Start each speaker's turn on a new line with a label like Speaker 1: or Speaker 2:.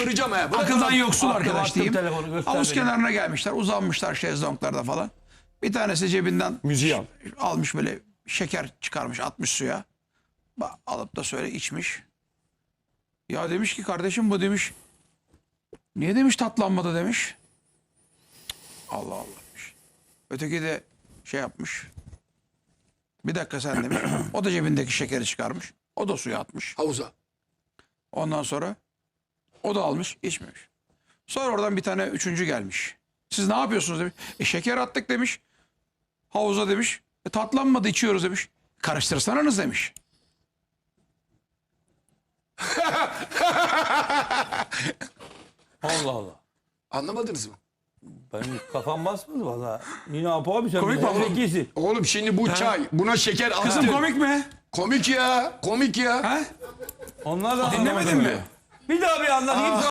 Speaker 1: kıracağım ha.
Speaker 2: Akıldan yoksul arkadaş
Speaker 3: Attım
Speaker 2: diyeyim.
Speaker 3: telefonu, göster
Speaker 2: Havuz
Speaker 3: beni.
Speaker 2: kenarına gelmişler. Uzanmışlar şezlonglarda falan. Bir tanesi cebinden
Speaker 1: Müziği al.
Speaker 2: almış böyle şeker çıkarmış atmış suya. Alıp da söyle içmiş. Ya demiş ki kardeşim bu demiş. Niye demiş tatlanmadı demiş. Allah Allah demiş. Öteki de şey yapmış. Bir dakika sen demiş. O da cebindeki şekeri çıkarmış. O da suya atmış.
Speaker 1: Havuza.
Speaker 2: Ondan sonra o da almış içmemiş. Sonra oradan bir tane üçüncü gelmiş. Siz ne yapıyorsunuz demiş. Şeker attık demiş. Havuza demiş. Tatlanmadı içiyoruz demiş. Karıştırsanız demiş.
Speaker 3: Allah Allah.
Speaker 1: Anlamadınız mı?
Speaker 3: Benim kafam basmadı valla. Yine Apo abi sen
Speaker 2: Komik mi oğlum?
Speaker 3: zekisin.
Speaker 1: Oğlum şimdi bu çay. Buna şeker attın.
Speaker 2: Kızım komik mi?
Speaker 1: Komik ya. Komik ya.
Speaker 2: Ha?
Speaker 3: Onlar da
Speaker 2: Dinlemedin
Speaker 3: anlamadı.
Speaker 2: mi?
Speaker 3: Bir daha bir anlatayım.